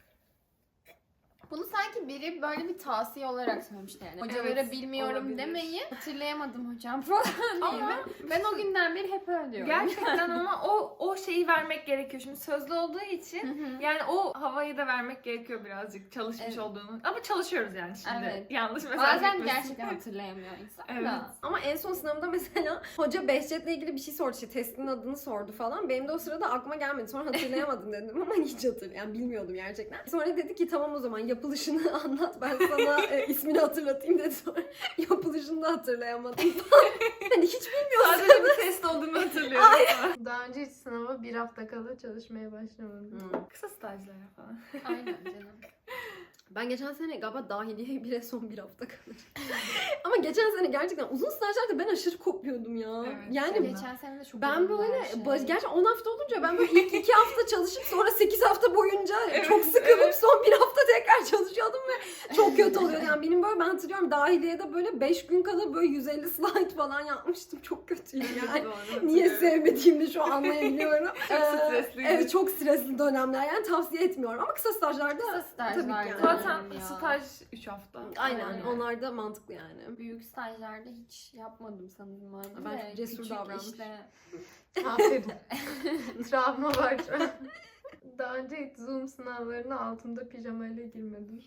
[SPEAKER 2] Bunu sanki biri böyle bir tavsiye olarak söylemişti yani. Hocalara
[SPEAKER 4] Evet,
[SPEAKER 2] bilmiyorum
[SPEAKER 4] olabilir.
[SPEAKER 2] demeyi hatırlayamadım hocam falan diye.
[SPEAKER 4] Ama
[SPEAKER 2] Ben o günden beri hep öyle diyorum.
[SPEAKER 4] gerçekten ama o o şeyi vermek gerekiyor. Şimdi sözlü olduğu
[SPEAKER 2] Hı
[SPEAKER 4] için
[SPEAKER 2] hı.
[SPEAKER 4] yani o havayı da vermek gerekiyor birazcık çalışmış
[SPEAKER 2] Evet.
[SPEAKER 4] olduğunu. Ama çalışıyoruz yani şimdi.
[SPEAKER 2] Evet.
[SPEAKER 4] Yanlış mesaj
[SPEAKER 2] Bazen
[SPEAKER 4] gitmesin.
[SPEAKER 2] gerçekten hatırlayamıyor insan
[SPEAKER 4] Evet.
[SPEAKER 2] da.
[SPEAKER 1] Ama en son sınavda mesela hoca Behçet'le ilgili bir şey sordu. İşte testinin adını sordu falan. Benim de o sırada aklıma gelmedi. Sonra hatırlayamadım dedim ama hiç hatırlayamadım. Yani bilmiyordum gerçekten. Sonra dedi ki tamam o zaman yapılışını anlat. Ben sana e, ismini hatırlatayım dedi. Sonra yapılışını da hatırlayamadım. hani hiç bilmiyorsun.
[SPEAKER 4] Sadece bir test olduğunu hatırlıyorum.
[SPEAKER 3] Daha önce hiç sınava bir hafta kala çalışmaya başlamadım.
[SPEAKER 1] Hmm.
[SPEAKER 4] Kısa stajlara falan.
[SPEAKER 2] Aynen canım.
[SPEAKER 1] Ben geçen sene galiba dahiliye bile son bir hafta kalır. Ama geçen sene gerçekten uzun stajlarda ben aşırı kopuyordum ya.
[SPEAKER 4] Evet,
[SPEAKER 1] yani
[SPEAKER 4] sen
[SPEAKER 2] Geçen sene de çok
[SPEAKER 1] ben
[SPEAKER 2] uzun
[SPEAKER 1] böyle
[SPEAKER 2] her şey.
[SPEAKER 1] baş, gerçekten on hafta olunca ben böyle ilk iki hafta çalışıp sonra sekiz hafta boyunca
[SPEAKER 4] Evet,
[SPEAKER 1] çok sıkılıp
[SPEAKER 4] evet.
[SPEAKER 1] son bir hafta tekrar çalışıyordum ve çok kötü oluyor. Yani benim böyle ben hatırlıyorum dahiliyede böyle beş gün kala böyle yüz elli slide falan yapmıştım. Çok kötüydü yani.
[SPEAKER 4] Doğru,
[SPEAKER 1] Niye
[SPEAKER 4] hatırlıyorum.
[SPEAKER 1] sevmediğimi şu an anlayabiliyorum.
[SPEAKER 4] Çok
[SPEAKER 1] Ee,
[SPEAKER 4] stresliydi.
[SPEAKER 1] Evet çok stresli dönemler yani tavsiye etmiyorum ama kısa stajlarda
[SPEAKER 2] Kısa
[SPEAKER 1] tabii ki
[SPEAKER 2] stajlarda.
[SPEAKER 1] yani.
[SPEAKER 4] Zaten
[SPEAKER 2] Ya.
[SPEAKER 4] staj üç hafta.
[SPEAKER 1] Aynen
[SPEAKER 2] Aynen.
[SPEAKER 1] onlar da mantıklı yani.
[SPEAKER 2] Büyük stajlarda hiç yapmadım sanırım abi.
[SPEAKER 1] Ben
[SPEAKER 2] de.
[SPEAKER 1] çok cesur
[SPEAKER 2] Küçük
[SPEAKER 1] davranmış.
[SPEAKER 2] işte.
[SPEAKER 3] Aferin. Travma var şu an. Daha önce hiç Zoom sınavlarına altımda pijamayla girmedim.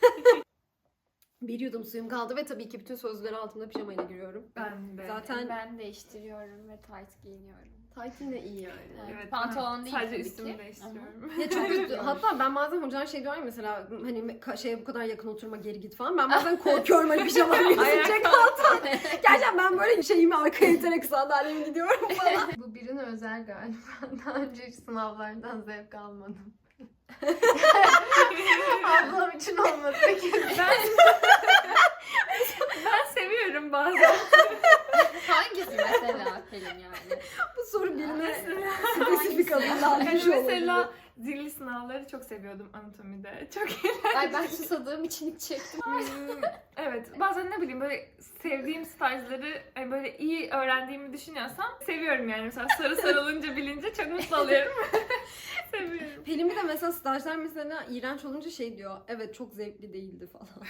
[SPEAKER 1] Bir yudum suyum kaldı ve tabii ki bütün sözleri altımda pijamayla giriyorum.
[SPEAKER 4] Ben de.
[SPEAKER 1] Zaten
[SPEAKER 2] Ben değiştiriyorum ve tight giyiniyorum.
[SPEAKER 1] tight yine iyi yani.
[SPEAKER 2] Evet,
[SPEAKER 4] Evet,
[SPEAKER 2] pantolon
[SPEAKER 4] ben
[SPEAKER 2] değil
[SPEAKER 4] sadece
[SPEAKER 2] tabii
[SPEAKER 4] üstümü
[SPEAKER 2] ki.
[SPEAKER 4] değiştiriyorum.
[SPEAKER 1] Ya çok kötü. Hatta ben bazen hocalar şey diyor ya mesela hani ka- şeye bu kadar yakın oturma geri git falan. Ben bazen korkuyorum hani pijamam gözükecek alttan. Gerçekten ben böyle şeyimi arkaya iterek sandalyeme gidiyorum falan.
[SPEAKER 3] Bu birine özel galiba. Daha önce hiç sınavlardan zevk almadım. Ablam için olmadı peki.
[SPEAKER 4] Ben
[SPEAKER 1] kalırlar.
[SPEAKER 4] Yani
[SPEAKER 1] bir şey
[SPEAKER 4] mesela
[SPEAKER 1] olabilir.
[SPEAKER 4] zilli sınavları çok seviyordum anatomide. Çok
[SPEAKER 2] Ay ben susadığım için hiç çektim.
[SPEAKER 4] Hmm, evet. Bazen ne bileyim böyle sevdiğim stajları hani böyle iyi öğrendiğimi düşünüyorsam seviyorum yani. Mesela soru sorulunca bilince çok mutlu oluyorum. Seviyorum.
[SPEAKER 1] Pelin bir de mesela stajlar mesela iğrenç olunca şey diyor. Evet çok zevkli değildi falan.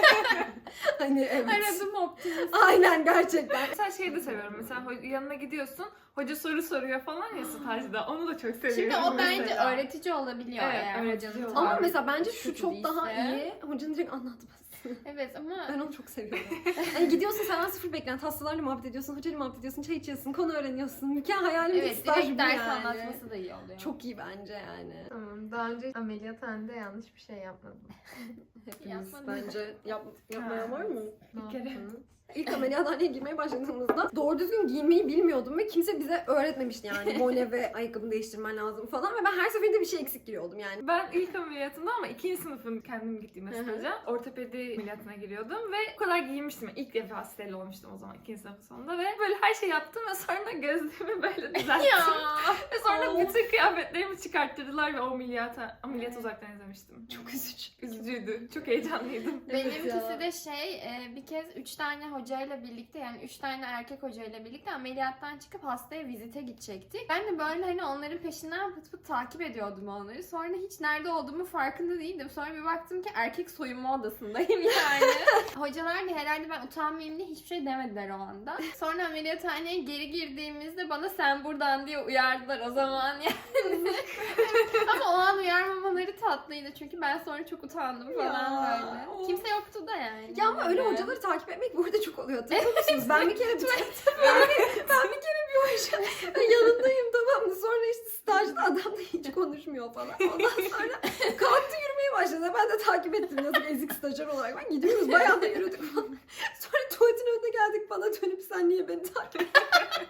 [SPEAKER 1] Hani evet.
[SPEAKER 2] Aradım optimist.
[SPEAKER 1] Aynen gerçekten.
[SPEAKER 4] Mesela şeyi de seviyorum. Mesela ho- yanına gidiyorsun, hoca soru soruyor falan ya stajda. Onu da çok seviyorum.
[SPEAKER 2] Şimdi o bence
[SPEAKER 4] mesela.
[SPEAKER 2] öğretici olabiliyor
[SPEAKER 4] Evet,
[SPEAKER 2] eğer
[SPEAKER 4] öğretici
[SPEAKER 2] hocanın
[SPEAKER 4] oluyor.
[SPEAKER 1] Ama
[SPEAKER 2] tavrı
[SPEAKER 1] mesela bence şu
[SPEAKER 2] kötü
[SPEAKER 1] çok daha
[SPEAKER 2] değilse.
[SPEAKER 1] iyi. Hocanın direkt anlatması.
[SPEAKER 2] Evet ama
[SPEAKER 1] Ben onu çok seviyorum. Hani gidiyorsun senden sıfır beklenti hastalarla muhabbet ediyorsun, hocayla muhabbet ediyorsun, çay içiyorsun, konu öğreniyorsun. Mükemmel hayalim
[SPEAKER 2] evet
[SPEAKER 1] staj bu
[SPEAKER 2] direkt ders
[SPEAKER 1] yani.
[SPEAKER 2] anlatması da iyi oluyor.
[SPEAKER 1] Çok iyi bence yani.
[SPEAKER 3] Tamam. Daha önce ameliyathanede yanlış bir şey yapmadım.
[SPEAKER 1] Hepimiz
[SPEAKER 2] Yapmadım.
[SPEAKER 1] bence yap, yapmayan var mı?
[SPEAKER 4] Bir kere.
[SPEAKER 1] İlk ameliyathaneye girmeye başladığımızda doğru düzgün giyinmeyi bilmiyordum ve kimse bize öğretmemişti yani. Bone ve ayakkabını değiştirmen lazım falan ve ben her seferinde bir şey eksik giriyordum yani.
[SPEAKER 4] Ben ilk ameliyatımda ama ikinci sınıfın kendim gittiğim
[SPEAKER 1] Hı hı.
[SPEAKER 4] staja ortopedi ameliyatına giriyordum ve o kadar giyinmiştim. İlk defa steril olmuştum o zaman ikinci sınıfın sonunda ve böyle her şey yaptım ve sonra gözlüğümü böyle düzelttim.
[SPEAKER 2] Ya.
[SPEAKER 4] Ve sonra
[SPEAKER 1] Of.
[SPEAKER 4] bütün kıyafetlerimi çıkarttırdılar ve o ameliyata, ameliyat uzaktan izlemiştim.
[SPEAKER 1] Çok üzücü.
[SPEAKER 4] Üzücüydü. Çok heyecanlıydım.
[SPEAKER 1] Evet
[SPEAKER 2] Benimkisi
[SPEAKER 1] ya.
[SPEAKER 2] de şey e, bir kez üç tane hocayla birlikte yani üç tane erkek hocayla birlikte ameliyattan çıkıp hastaya vizite gidecektik. Ben de böyle hani onların peşinden pıt pıt takip ediyordum onları. Sonra hiç nerede olduğumu farkında değildim. Sonra bir baktım ki erkek soyunma odasındayım yani. Hocalar da herhalde ben utanmayayım diye hiçbir şey demediler o anda. Sonra ameliyathaneye geri girdiğimizde bana sen buradan diye uyardılar o zaman yani. Ama o an uyarmamaları tatlıydı çünkü ben sonra çok utandım falan
[SPEAKER 1] Ya,
[SPEAKER 2] böyle.
[SPEAKER 1] of.
[SPEAKER 2] Kimse yoktu da yani.
[SPEAKER 1] Ya ama öyle
[SPEAKER 2] Böyle.
[SPEAKER 1] hocaları takip etmek burada çok oluyor. Hatırlıyor musunuz? Ben bir kere bir, ben, bir, ben bir kere bir hoca yanındayım tamam mı? Sonra işte stajda adam da hiç konuşmuyor falan. Ondan sonra kalktı yürümeye başladı. Ben de takip ettim yazık ezik stajyer olarak. Ben gidiyoruz bayağı da yürüdük falan. Sonra tuvaletin önüne geldik bana dönüp sen niye beni takip ettin?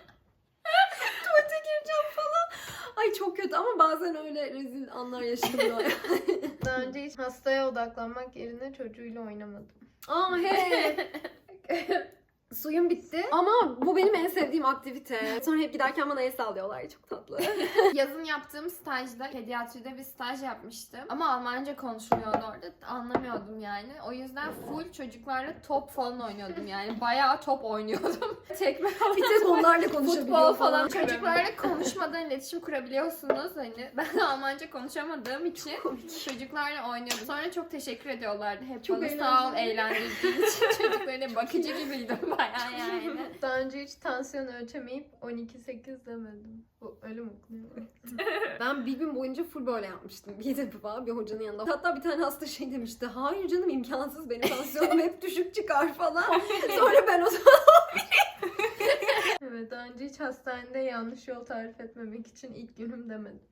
[SPEAKER 1] Tuvalete gireceğim falan. Ay çok kötü ama bazen öyle rezil anlar yaşadım.
[SPEAKER 3] Daha önce hiç hastaya odaklanmak yerine çocuğuyla oynamadım.
[SPEAKER 1] Aa he. Suyum bitti. Ama bu benim en sevdiğim aktivite. Sonra hep giderken bana el sallıyorlar. Çok tatlı.
[SPEAKER 2] Yazın yaptığım stajda pediatride bir staj yapmıştım. Ama Almanca konuşuluyordu orada. Anlamıyordum yani. O yüzden full çocuklarla top falan oynuyordum yani. Bayağı top oynuyordum. Tekme
[SPEAKER 1] Bir tek onlarla konuşabiliyor
[SPEAKER 2] futbol falan.
[SPEAKER 1] falan.
[SPEAKER 2] Çocuklarla konuşmadan iletişim kurabiliyorsunuz. Hani ben Almanca konuşamadığım için çocuklarla oynuyordum. Sonra çok teşekkür ediyorlardı. Hep
[SPEAKER 1] Çok
[SPEAKER 2] bana sağ ol
[SPEAKER 1] eğlenceli.
[SPEAKER 2] eğlendirdiğin için. Çocuklarına bakıcı gibiydim bayağı yani.
[SPEAKER 3] Daha önce hiç tansiyon ölçemeyip on iki sekiz demedim. Bu ölüm okunuyor.
[SPEAKER 1] Ben bir gün boyunca full böyle yapmıştım. Bir defa bir hocanın yanında. Hatta bir tane hasta şey demişti. Hayır canım imkansız benim tansiyonum hep düşük çıkar falan. Sonra ben o zaman
[SPEAKER 3] Evet, daha önce hiç hastanede yanlış yol tarif etmemek için ilk günüm demedim.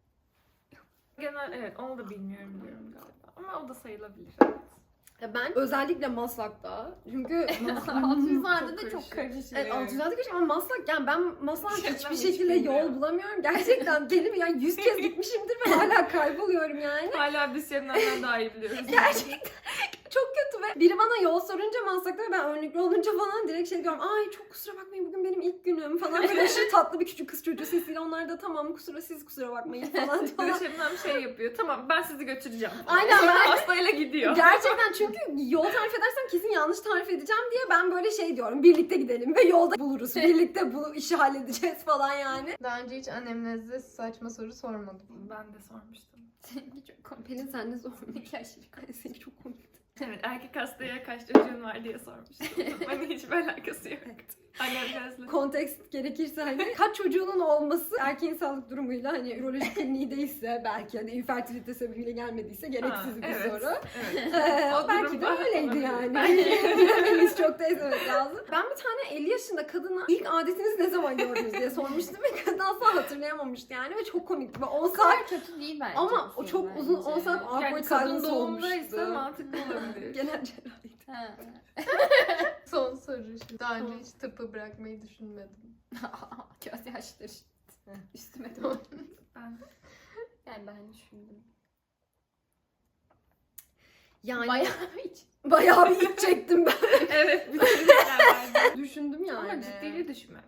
[SPEAKER 4] Genel evet onu da bilmiyorum diyorum galiba. Ama o da sayılabilir.
[SPEAKER 1] Ya ben özellikle Maslak'ta çünkü
[SPEAKER 2] Altınızlarda da
[SPEAKER 4] Çok
[SPEAKER 2] çok karışıyor.
[SPEAKER 1] Evet, Altınoluk'ta karışık ama Maslak yani ben Maslak'ta
[SPEAKER 4] Gerçekten
[SPEAKER 1] hiçbir
[SPEAKER 4] hiç
[SPEAKER 1] şekilde
[SPEAKER 4] bilmiyorum.
[SPEAKER 1] yol bulamıyorum. Gerçekten kelime yani yüz kez gitmişimdir ve hala kayboluyorum yani.
[SPEAKER 4] Hala biz Şebnem'den daha iyi biliyoruz.
[SPEAKER 1] Gerçekten çok kötü ve biri bana yol sorunca Maslak'ta ve ben önlüklü olunca falan direkt şey diyorum. Ay çok kusura bakmayın bugün benim ilk günüm falan. Böyle aşırı tatlı bir küçük kız çocuğu sesiyle onlar da tamam kusura siz kusura bakmayın falan
[SPEAKER 4] Bir de
[SPEAKER 1] diyorlar.
[SPEAKER 4] Şebnem şey yapıyor. Tamam ben sizi götüreceğim. falan.
[SPEAKER 1] Aynen,
[SPEAKER 4] Sonra
[SPEAKER 1] ben-
[SPEAKER 4] hastayla gidiyor.
[SPEAKER 1] Gerçekten çünkü yol tarif edersem kesin yanlış tarif edeceğim diye ben böyle şey diyorum. Birlikte gidelim ve yolda buluruz. Birlikte bu işi halledeceğiz falan yani.
[SPEAKER 3] Daha önce hiç annemnezde saçma soru sormadım.
[SPEAKER 4] Ben de sormuştum.
[SPEAKER 2] Seninki çok komik.
[SPEAKER 1] Pelin sen ne sormuş?
[SPEAKER 2] Seninki aşırı komik.
[SPEAKER 1] Seninki çok komik.
[SPEAKER 4] Evet erkek hastaya kaç çocuğun var diye sormuştum. Hani hiçbir alakası yok. Annem gözle.
[SPEAKER 1] Kontekst gerekirse hani kaç çocuğunun olması erkeğin sağlık durumuyla hani ürolojik kliniği değilse belki hani infertilite sebebiyle gelmediyse gereksiz bir
[SPEAKER 4] evet,
[SPEAKER 1] soru.
[SPEAKER 4] Evet.
[SPEAKER 1] Ee,
[SPEAKER 4] O
[SPEAKER 1] belki de
[SPEAKER 4] durumda
[SPEAKER 1] öyleydi
[SPEAKER 4] olabilir.
[SPEAKER 1] yani.
[SPEAKER 4] Belki.
[SPEAKER 1] Bilemeyiz çok da ezmemek lazım. Ben bir tane elli yaşında kadına ilk adetinizi ne zaman gördünüz diye sormuştum ve kadın asla hatırlayamamıştı yani ve çok komikti. Ve on
[SPEAKER 2] O
[SPEAKER 1] saat
[SPEAKER 2] kadar kötü değil bence.
[SPEAKER 1] ama
[SPEAKER 2] bu
[SPEAKER 1] o
[SPEAKER 2] film
[SPEAKER 1] çok uzun on
[SPEAKER 2] bence.
[SPEAKER 1] saat awkward
[SPEAKER 4] Yani kadın
[SPEAKER 1] silence
[SPEAKER 4] doğumdaysa
[SPEAKER 1] olmuştu.
[SPEAKER 4] mantıklı olabilir.
[SPEAKER 1] Genel cerrahiydi.
[SPEAKER 2] Ha.
[SPEAKER 3] Son soru şu. Daha önce hiç tıpı bırakmayı düşünmedim.
[SPEAKER 2] Göz yaşları üstüme de.
[SPEAKER 4] Ben
[SPEAKER 2] Yani ben düşündüm.
[SPEAKER 1] Yani
[SPEAKER 2] Bayağı hiç.
[SPEAKER 1] bayağı bir iç çektim ben.
[SPEAKER 4] evet bütün şeyler vardı.
[SPEAKER 1] Düşündüm yani.
[SPEAKER 4] Ama ciddiyle düşünmemişsin.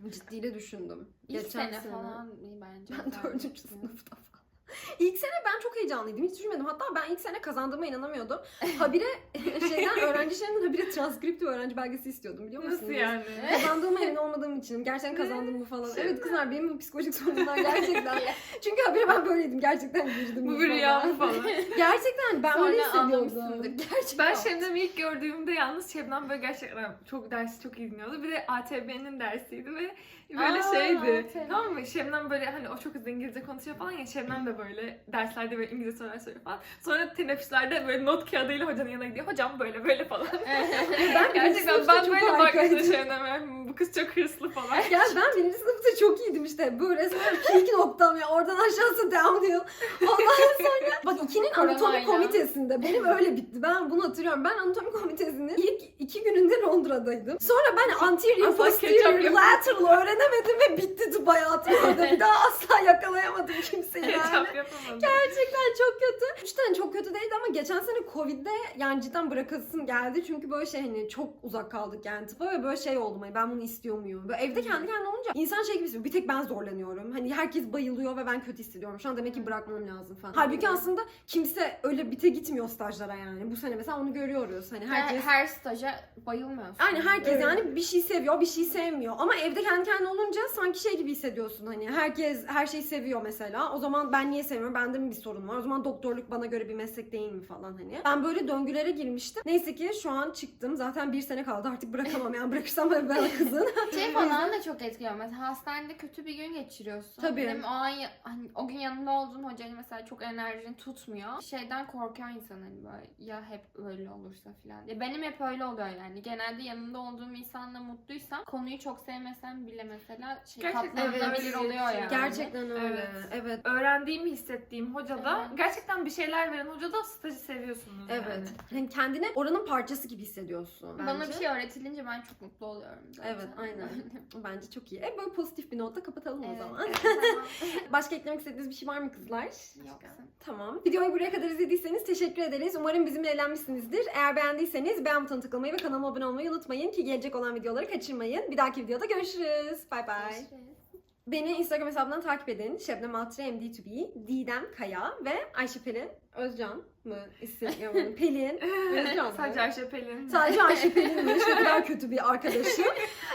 [SPEAKER 1] Ciddiyle düşündüm.
[SPEAKER 2] İlk
[SPEAKER 1] Geçen
[SPEAKER 2] sene falan iyi bence.
[SPEAKER 1] Ben
[SPEAKER 2] güzel
[SPEAKER 1] dördüncü
[SPEAKER 2] geçti.
[SPEAKER 1] sınıfta falan. İlk sene ben çok heyecanlıydım. Hiç düşünmedim. Hatta ben ilk sene kazandığıma inanamıyordum. Habire şeyden öğrenci şeyinden habire transkripti öğrenci belgesi istiyordum biliyor musunuz?
[SPEAKER 4] Nasıl yani?
[SPEAKER 1] Kazandığıma emin olmadığım için. Gerçekten kazandım mı falan.
[SPEAKER 4] Şey
[SPEAKER 1] Evet kızlar benim bu psikolojik sorunlar gerçekten. Çünkü habire ben böyleydim. Gerçekten girdim.
[SPEAKER 4] Bu bir rüya mı falan?
[SPEAKER 1] Gerçekten ben öyle
[SPEAKER 2] Sonra
[SPEAKER 1] hissediyordum.
[SPEAKER 2] anlamışsındır. Gerçekten.
[SPEAKER 4] Ben Şebnem'i ilk gördüğümde yalnız Şebnem böyle gerçekten çok dersi çok iyi dinliyordu. Bir de A T B'nin dersiydi ve böyle
[SPEAKER 2] Aa,
[SPEAKER 4] şeydi.
[SPEAKER 2] A T B.
[SPEAKER 4] Tamam mı? Şebnem böyle hani o çok hızlı İngilizce konuşuyor falan ya. Şebnem de böyle derslerde böyle İngilizce sorular soruyor falan. Sonra teneffüslerde böyle not kağıdıyla hocanın yanına gidiyor. Hocam böyle böyle falan.
[SPEAKER 1] Ben
[SPEAKER 4] Gerçekten ben böyle
[SPEAKER 1] harikaydım.
[SPEAKER 4] baktım Şebnem'e. Bu kız çok hırslı falan.
[SPEAKER 1] Ya ben birinci sınıfta çok iyiydim işte. Bu resmen peak noktam ya. Oradan aşağısı downhill. Ondan sonra bak ikinin anatomi
[SPEAKER 2] Koronayla.
[SPEAKER 1] komitesinde. Benim öyle bitti. Ben bunu hatırlıyorum. Ben anatomi komitesinin ilk iki gününde Londra'daydım. Sonra ben anterior,
[SPEAKER 4] Asla
[SPEAKER 1] posterior,
[SPEAKER 4] ketçap yapamadım.
[SPEAKER 1] lateral öğrenemedim ve bitti tıp hayatım orada. Bir daha asla yakalayamadım kimseyi yani.
[SPEAKER 4] Ketçap yapamadım.
[SPEAKER 1] Gerçekten çok kötü. Üç tane çok kötü değildi ama geçen sene Covid'de yani cidden bırakasım geldi. Çünkü böyle şey hani çok uzak kaldık yani tıpa ve böyle şey oldum. Hani ben bunu istiyor muyum? Böyle evde kendi kendine olunca insan şey gibi hissediyor. Bir tek ben zorlanıyorum. Hani herkes bayılıyor ve ben kötü hissediyorum. Şu an demek ki bırakmam lazım falan. Halbuki aslında kimse öyle bite gitmiyor stajlara yani. Bu sene mesela onu görüyoruz. Hani herkes...
[SPEAKER 2] Her, her staja bayılmıyorsun.
[SPEAKER 1] Aynen herkes
[SPEAKER 3] Evet.
[SPEAKER 1] yani bir şey seviyor, bir şey sevmiyor. Ama evde kendi kendine olunca sanki şey gibi hissediyorsun hani herkes her şeyi seviyor mesela. O zaman ben niye sevmiyorum? Bende mi bir sorun var? O zaman doktorluk bana göre bir meslek değil mi falan hani. Ben böyle döngülere girmiştim. Neyse ki şu an çıktım. Zaten bir sene kaldı artık bırakamam yani bırakırsam ben kızın.
[SPEAKER 2] Şey falan da çok etkiliyor. Mesela hastanede kötü bir gün geçiriyorsun.
[SPEAKER 1] Tabii.
[SPEAKER 2] Benim o an ya- hani o gün yanında olduğum hocanın mesela çok enerjini tutmuyor. Şeyden korkuyor insan hani böyle ya hep öyle olursa falan. Ya benim hep öyle oluyor yani. Genelde yanında olduğum insanla mutluysam konuyu çok sevmesem bile mesela şey
[SPEAKER 4] Gerçekten
[SPEAKER 2] katlanılabilir
[SPEAKER 4] öyle
[SPEAKER 2] oluyor yani.
[SPEAKER 1] Gerçekten öyle.
[SPEAKER 4] Evet.
[SPEAKER 1] Evet.
[SPEAKER 4] Öğrendiğimi hissettiğim hocada,
[SPEAKER 2] Evet.
[SPEAKER 4] gerçekten bir şeyler veren hocada stajı seviyorsunuz
[SPEAKER 1] Evet.
[SPEAKER 4] yani.
[SPEAKER 1] Hani kendini oranın parçası gibi hissediyorsun bence.
[SPEAKER 2] Bana bir şey öğretilince ben çok mutlu oluyorum zaten.
[SPEAKER 1] Evet aynen. Bence çok iyi. E böyle pozitif bir notla kapatalım o
[SPEAKER 2] Evet,
[SPEAKER 1] zaman.
[SPEAKER 2] evet, tamam.
[SPEAKER 1] Başka eklemek istediğiniz bir şey var mı kızlar?
[SPEAKER 2] Yoksa.
[SPEAKER 1] Tamam. Videoyu buraya kadar izlediyseniz teşekkür ederiz. Umarım bizimle eğlenmişsinizdir. Eğer beğendiyseniz beğen butonuna tıklamayı ve kanalıma abone olmayı unutmayın ki gelecek olan videoları kaçırmayın. Bir dahaki videoda görüşürüz. Bye bye.
[SPEAKER 2] Görüşürüz.
[SPEAKER 1] Beni Instagram hesabından takip edin. Şebnem Altı M D to be, Didem Kaya ve Ayşe Pelin Özcan mı isim? Pelin Özcan mı?
[SPEAKER 4] Sadece Ayşe Pelin.
[SPEAKER 1] Sadece Ayşe Pelin'miş. Ne kadar kötü bir arkadaşım.